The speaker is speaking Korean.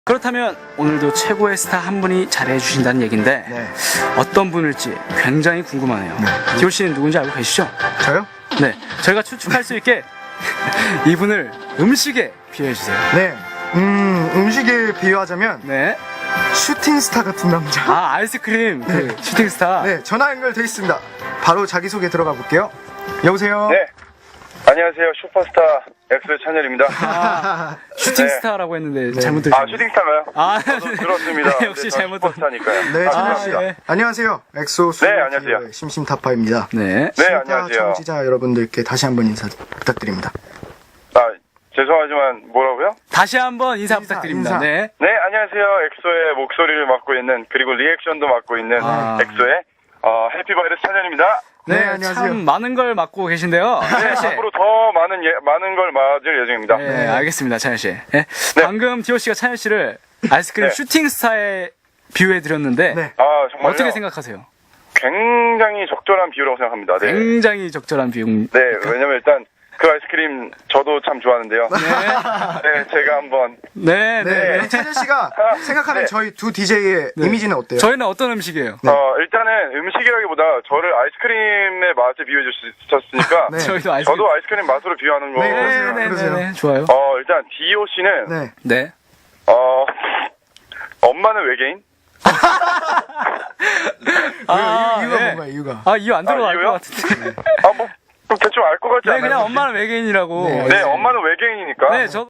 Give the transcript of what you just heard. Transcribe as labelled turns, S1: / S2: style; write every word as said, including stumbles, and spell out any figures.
S1: 그렇다면 오늘도 최고의 스타 한 분이 잘해 주신다는 얘긴데
S2: 네.
S1: 어떤 분일지 굉장히 궁금하네요.
S2: 네.
S1: 디오 씨는 누군지 알고 계시죠?
S2: 저요?
S1: 네, 저희가 추측할 수 있게 이분을 음식에 비유해 주세요.
S2: 네. 음, 음식에 비유하자면
S1: 네.
S2: 슈팅 스타 같은 남자.
S1: 아, 아이스크림 그 슈팅 스타.
S2: 네, 전화 연결돼 있습니다. 바로 자기소개 들어가 볼게요. 여보세요?
S3: 네. 안녕하세요. 슈퍼스타 엑소의 찬열입니다.
S1: 아, 슈팅
S3: 네.
S1: 스타라고 했는데
S2: 네.
S1: 잘못
S3: 아,
S1: 들으셨네요.
S3: 슈팅스타인가요?
S1: 아,
S3: 저도 들었습니다.
S1: 네, 역시
S3: 네, 저
S1: 잘못
S3: 슈퍼스타니까요.
S2: 네,
S1: 아,
S2: 찬열 씨.
S1: 예.
S2: 안녕하세요. 엑소 수
S3: 네, 안녕하세요.
S2: 심심타파입니다.
S1: 네.
S3: 네,
S2: 심타
S3: 안녕하세요.
S2: 청취자 여러분들께 다시 한번 인사 부탁드립니다.
S3: 아, 죄송하지만 뭐라고요?
S1: 다시 한번 인사,
S2: 인사,
S1: 부탁드립니다.
S2: 인사.
S1: 네.
S3: 네, 안녕하세요. 엑소의 목소리를 맡고 있는 그리고 리액션도 맡고 있는
S1: 아.
S3: 엑소의 어, 해피바이러스 찬열입니다.
S1: 네,
S2: 네, 안녕하세요.
S1: 참 많은 걸 맡고 계신데요.
S3: 네,
S1: 찬열 씨.
S3: 앞으로 더 많은 예, 많은 걸 맞을 예정입니다.
S1: 네,
S2: 네.
S1: 알겠습니다, 찬열 씨. 네. 방금 디오 씨가 찬열 씨를 아이스크림
S3: 네.
S1: 슈팅 스타에 비유해 드렸는데
S2: 네.
S3: 아, 정말요?
S1: 어떻게 생각하세요?
S3: 굉장히 적절한 비유라고 생각합니다. 네.
S1: 굉장히 적절한 비유.
S3: 네, 왜냐면 일단 그 아이스크림 저도 참 좋아하는데요.
S1: 네.
S3: 네, 제가 한번
S1: 네, 네.
S2: 네,
S1: 네.
S2: 찬열 씨가 생각하는
S3: 네.
S2: 저희 두 디제이의
S1: 네.
S2: 이미지는 어때요?
S1: 저희는 어떤 음식이에요?
S3: 어, 일단은 음식이라기보다 저를 아이스크림의 맛에 비유해 주셨으니까
S2: 네.
S1: 저희도 아이스크림.
S3: 저도 아이스크림 맛으로 비유하는 거.
S2: 네,
S1: 네,
S2: 그러세요.
S1: 네, 네,
S2: 그러세요.
S1: 네, 좋아요.
S3: 어, 일단 디오 씨는
S2: 네.
S1: 네.
S3: 어, 엄마는 외계인?
S1: 아,
S2: 이유, 이유가
S1: 네.
S2: 뭔가요, 이유가?
S1: 아, 이유 안 들어갈
S3: 아,
S1: 것
S3: 이유요?
S1: 같은데.
S3: 아, 뭐, 좀 대충 알 것 같지
S1: 네,
S3: 않아요?
S1: 그냥 엄마는 외계인이라고.
S2: 네.
S3: 네, 엄마는 외계인이니까.
S1: 네, 저